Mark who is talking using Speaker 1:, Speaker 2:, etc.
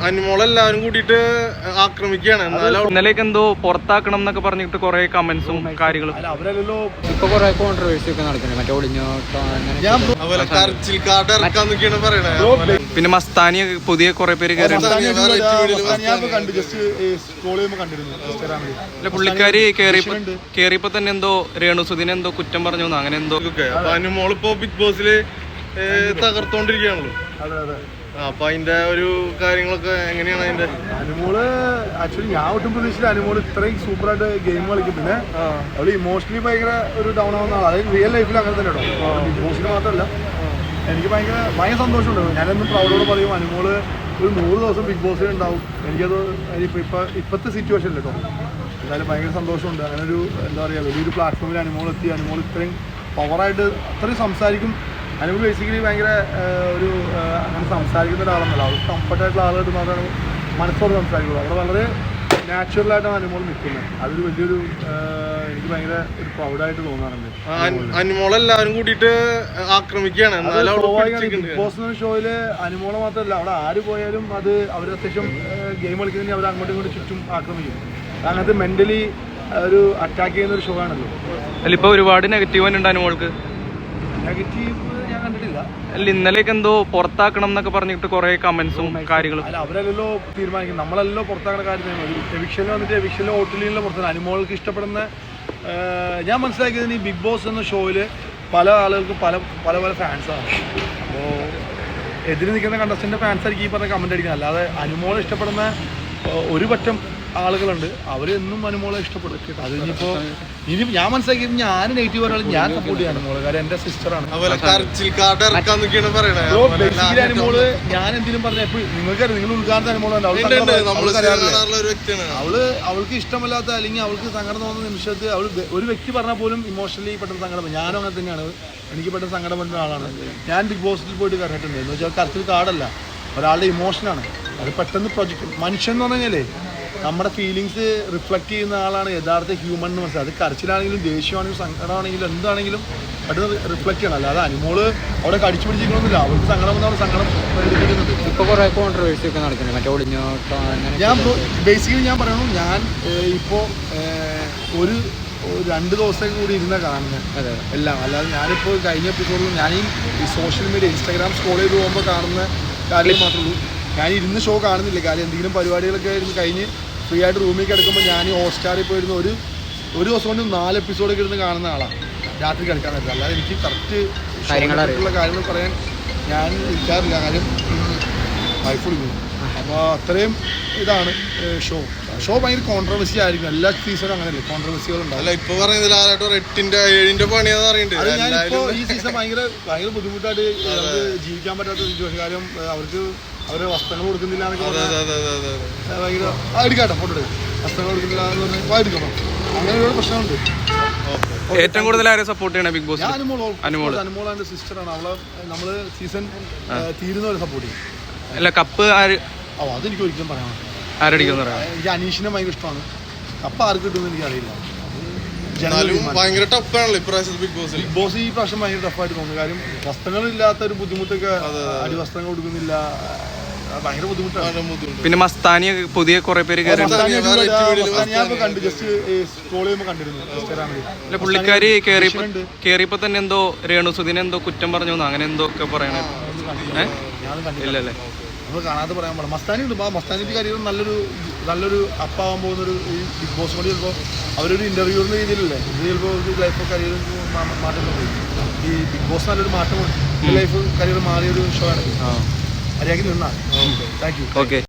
Speaker 1: അനുമോളെല്ലാവരും കൂടിയിട്ട് ആക്രമിക്കുകയാണ്.
Speaker 2: ഇന്നലേക്ക് എന്തോ പുറത്താക്കണം എന്നൊക്കെ പറഞ്ഞിട്ട് കുറെ കമന്റ്സും കാര്യങ്ങളും
Speaker 3: ഇപ്പൊ കുറെ കോൺട്രവേഴ്സി ഒക്കെ നടക്കുന്നത്. മറ്റേ ഒളിഞ്ഞോട്ടോ
Speaker 2: പിന്നെ മസ്താനി പുതിയ കുറെ പേര് പുള്ളിക്കാരി കേറിയപ്പോ തന്നെ എന്തോ രേണുസുദിനെ എന്തോ കുറ്റം പറഞ്ഞു അങ്ങനെ എന്തോ.
Speaker 1: അനുമോളിപ്പോ ബിഗ് ബോസില് തകർത്തോണ്ടിരിക്കുകയാണല്ലോ. അപ്പൊ അതിന്റെ ഒരു കാര്യങ്ങളൊക്കെ എങ്ങനെയാണ് അതിന്റെ?
Speaker 4: അനുമോള് ആക്ച്വലി ഞാൻ ഒട്ടും പ്രതീക്ഷിച്ചില്ല അനുമോള് ഇത്രയും സൂപ്പറായിട്ട് ഗെയിം കളിക്കും. പിന്നെ അവള് ഇമോഷണലി ഭയങ്കര ഒരു ഡൗൺ ആവുന്ന ആളാണ്. അതായത് റിയൽ ലൈഫിൽ അങ്ങനെ തന്നെ കേട്ടോ, ബിഗ് ബോസിൽ മാത്രമല്ല. എനിക്ക് ഭയങ്കര സന്തോഷമുണ്ട്. ഞാനെന്നും പ്രൗഡോട് പറയും അനുമോള് ഒരു 100 ദിവസം ബിഗ് ബോസിൽ ഉണ്ടാവും. എനിക്കത് ഇപ്പോഴത്തെ സിറ്റുവേഷനിൽ കേട്ടോ എന്തായാലും ഭയങ്കര സന്തോഷമുണ്ട്. അങ്ങനെ ഒരു എന്താ പറയുക വലിയൊരു പ്ലാറ്റ്ഫോമിൽ അനുമോൾ എത്തി. അനുമോൾ ഇത്രയും പവറായിട്ട് അത്രയും സംസാരിക്കും. അനുമോൾ ബേസിക്കലി ഭയങ്കര ഒരു അങ്ങനെ സംസാരിക്കുന്ന ഒരാളെന്നല്ല, അവർ കംഫർട്ടായിട്ടുള്ള ആളായിട്ട് മാത്രമാണ് മനസ്സോട് സംസാരിക്കുള്ളൂ. അവിടെ വളരെ നാച്ചുറലായിട്ടാണ് അനുമോൾ നിൽക്കുന്നത്. അതൊരു വലിയൊരു എനിക്ക് ഭയങ്കര ഒരു പ്രൗഡായിട്ട് തോന്നാറുണ്ട്.
Speaker 1: അനുമോളെല്ലാവരും കൂടിയിട്ട് ആക്രമിക്കുകയാണ്.
Speaker 4: ബിഗ് ബോസ് എന്ന ഷോയില് അനുമോളെ മാത്രമല്ല, അവിടെ ആര് പോയാലും അത് അവർ അത്യാവശ്യം ഗെയിം കളിക്കുന്നതിന് അവർ അങ്ങോട്ടും ഇങ്ങോട്ടും ചുറ്റും ആക്രമിക്കും. അങ്ങനത്തെ മെന്റലി ഒരു അറ്റാക്ക് ചെയ്യുന്ന ഒരു ഷോ ആണല്ലോ.
Speaker 2: ഇപ്പൊ ഒരുപാട് നെഗറ്റീവ് ഉണ്ട് അനുമോൾക്ക്.
Speaker 4: നെഗറ്റീവ് ഞാൻ കണ്ടിട്ടില്ല.
Speaker 2: ഇന്നലേക്ക് എന്തോ പുറത്താക്കണം എന്നൊക്കെ പറഞ്ഞിട്ട് കുറെ കമന്റ്സും കാര്യങ്ങളും.
Speaker 4: അല്ല അവരല്ലോ തീരുമാനിക്കും, നമ്മളല്ലോ പുറത്താക്കുന്ന കാര്യം. എവിക്ഷനിൽ വന്നിട്ട് എവിക്ഷനിൽ ഹോട്ടലിലുള്ള പുറത്താണ്. അനുമോൾക്ക് ഇഷ്ടപ്പെടുന്ന ഞാൻ മനസ്സിലാക്കിയതിന് ഈ ബിഗ് ബോസ് എന്ന ഷോയിൽ പല ആളുകൾക്കും പല പല പല ഫാൻസാണ്. അപ്പോൾ എതിര് നിൽക്കുന്ന കണ്ടസ്റ്റൻ്റെ ഫാൻസ് ആയിരിക്കും ഈ പറഞ്ഞ കമൻ്റ് അടിക്കുന്നത്. അല്ലാതെ അനുമോളെ ഇഷ്ടപ്പെടുന്ന ഒരു പറ്റം ആളുകളുണ്ട്, അവരെന്നും അനുമോളെ ഇഷ്ടപ്പെടും. അത് ഇനി ഞാൻ മനസ്സിലാക്കിയത് ഞാൻ നെഗറ്റീവ് ഒരാൾ ഞാൻ സപ്പോർട്ട് ചെയ്യാൻ അനുമോള്, കാരണം എൻ്റെ സിസ്റ്ററാണ്. ബേസിക്കലി അനുമോള് ഞാൻ എന്തെങ്കിലും പറഞ്ഞ എപ്പോഴും നിങ്ങൾക്കറിയാം, നിങ്ങൾ ഉദ്ഘാടന അനുമോളുണ്ട്. അവൾക്ക് ഇഷ്ടമല്ലാത്ത അല്ലെങ്കിൽ അവൾക്ക് സങ്കടം തോന്നുന്ന നിമിഷത്ത് അവൾ ഒരു വ്യക്തി പറഞ്ഞാൽ പോലും ഇമോഷണലി പെട്ടെന്ന് സങ്കടം. ഞാനും അങ്ങനെ തന്നെയാണ്, എനിക്ക് പെട്ടെന്ന് സങ്കടം വരുന്ന ആളാണ്. ഞാൻ ബിഗ് ബോസിൽ പോയിട്ട് കണ്ടിട്ടുണ്ട്. എന്ന് വെച്ചാൽ കരച്ചിൽ കാർഡല്ല, ഒരാളുടെ ഇമോഷനാണ്. അത് പെട്ടെന്ന് പ്രൊജക്റ്റ് മനുഷ്യൻ എന്ന് പറഞ്ഞു കഴിഞ്ഞാലേ നമ്മുടെ ഫീലിങ്സ് റിഫ്ലക്റ്റ് ചെയ്യുന്ന ആളാണ് യഥാർത്ഥ ഹ്യൂമൻ എന്ന് മനസ്സിലായി. അത് കരച്ചിലാണെങ്കിലും ദേഷ്യമാണെങ്കിലും സങ്കടമാണെങ്കിലും എന്താണെങ്കിലും പെട്ടെന്ന് റിഫ്ലക്റ്റ് ചെയ്യണം. അല്ലാതെ അനുമോള് അവിടെ കടിച്ചു പിടിച്ചിരിക്കണമെന്നില്ല. അവൾക്ക് സങ്കടം വന്നാൽ സങ്കടം പ്രകടിപ്പിക്കുന്നുണ്ട്.
Speaker 3: ഇപ്പൊ കുറെ കോൺട്രവേഴ്സി ഒക്കെ നടക്കുന്നത്. മറ്റേ ഒളിഞ്ഞോട്ടോ
Speaker 4: ഞാൻ ബേസിക്കലി ഞാൻ പറയണു, ഞാൻ ഇപ്പോൾ ഒരു 2 ദിവസം കൂടി ഇരുന്ന കാണുന്നത് എല്ലാം. അല്ലാതെ ഞാനിപ്പോൾ കഴിഞ്ഞ എപ്പിസോഡിൽ ഞാൻ ഈ സോഷ്യൽ മീഡിയ ഇൻസ്റ്റാഗ്രാം സ്ക്രോൾ ചെയ്ത് പോകുമ്പോൾ കാണുന്ന കാര്യം മാത്രമേ ഉള്ളൂ. ഞാൻ ഇരുന്ന് ഷോ കാണുന്നില്ല. കാര്യം എന്തെങ്കിലും പരിപാടികളൊക്കെ ഇരുന്ന് കഴിഞ്ഞ് ഫ്രീ ആയിട്ട് റൂമിൽ കിടക്കുമ്പോൾ ഞാൻ ഈ ഹോട്ട്സ്റ്റാറിൽ പോയിരുന്ന ഒരു ദിവസം കൊണ്ട് 4 എപ്പിസോഡൊക്കെ ഇരുന്ന് കാണുന്ന ആളാണ്. രാത്രി കിടക്കാൻ പറ്റില്ല. അല്ലാതെ എനിക്ക് കറക്റ്റ് കാര്യങ്ങൾ പറയാൻ ഞാൻ ഇരിക്കാറില്ല. കാര്യം വൈഫ് വിളിക്കുന്നു. അപ്പോൾ അത്രയും ഇതാണ് ഷോ ഭയങ്കര കോൺട്രവേഴ്സി ആയിരിക്കും. എല്ലാ സീസണും അങ്ങനെയല്ലേ കോൺട്രവേഴ്സികളുണ്ടാവും.
Speaker 1: ഇപ്പൊ പറയുന്നത് 8-7 പണിയാന്ന്
Speaker 4: പറയുന്നത്. ഞാനിപ്പോൾ ഈ സീസൺ ഭയങ്കര ബുദ്ധിമുട്ടായിട്ട് ജീവിക്കാൻ പറ്റാത്ത സിറ്റുവേഷൻ. കാര്യം അവര് വസ്ത്രങ്ങൾ കൊടുക്കുന്നില്ല എന്നൊക്കെ ഭയങ്കര എടുക്കാട്ടോ ഫോട്ടോ വസ്ത്രങ്ങൾ കൊടുക്കുന്നില്ല എന്ന് പറഞ്ഞാൽ എടുക്കണം. അങ്ങനെ ഒരുപാട് പ്രശ്നമുണ്ട്.
Speaker 2: ഏറ്റവും കൂടുതൽ ആരെ സപ്പോർട്ട് ചെയ്യണം ബിഗ് ബോസ്?
Speaker 4: അനുമോളാണ് സിസ്റ്ററാണ്. അവളെ നമ്മള് സീസൺ തീരുന്നവരെ സപ്പോർട്ട് ചെയ്യും.
Speaker 2: അല്ല കപ്പ്
Speaker 4: അതെനിക്ക് ഒരിക്കലും പറയാം.
Speaker 2: ആരടിക്കുന്ന
Speaker 4: എനിക്ക് അനീഷിനെ ഭയങ്കര ഇഷ്ടമാണ്. കപ്പ് ആർക്ക് കിട്ടുമെന്ന് എനിക്കറിയില്ല.
Speaker 1: ഭയങ്കര ടഫാണല്ലോ ഇപ്രാവശ്യം ബിഗ് ബോസ്.
Speaker 4: ഈ പ്രാവശ്യം ഭയങ്കര ടഫായിട്ട് തോന്നുന്നു. കാര്യം വസ്ത്രങ്ങളില്ലാത്ത ഒരു ബുദ്ധിമുട്ടൊക്കെ, അടിവസ്ത്രങ്ങൾ കൊടുക്കുന്നില്ല, ഭയങ്കര ബുദ്ധിമുട്ടാണ്.
Speaker 2: പിന്നെ മസ്താനി പുതിയ കുറെ പേര്
Speaker 4: ഞാൻ കണ്ടു, ജസ്റ്റ് സ്ക്രോൾ ചെയ്യുമ്പോൾ കണ്ടിരുന്നു ഇൻസ്റ്റാഗ്രാമിൽ.
Speaker 2: പുള്ളിക്കാരി കേറിയപ്പോ തന്നെ എന്തോ രേണുസുദിനെ എന്തോ കുറ്റം പറഞ്ഞു അങ്ങനെ എന്തോ ഒക്കെ പറയണേ. ഇല്ലല്ലേ
Speaker 4: നമ്മൾ കാണാതെ പറയാൻ പാടില്ല. മസ്താനി ഉണ്ട്. മസ്താനിയുടെ കരിയർ നല്ലൊരു അപ്പാവാൻ പോകുന്നൊരു ഈ ബിഗ് ബോസ് കൂടി ചിലപ്പോൾ അവരൊരു ഇന്റർവ്യൂവിൻ്റെ രീതിയിലല്ലേ ഇത് ചിലപ്പോൾ ലൈഫ് കരിയർ മാറ്റം പോയി. ഈ ബിഗ് ബോസ് നല്ലൊരു മാറ്റം ലൈഫ് കരിയർ മാറിയൊരു ഷോ ആണ്. മര്യാദയ്ക്ക് നിന്നാ. Thank you.
Speaker 2: ഓക്കെ.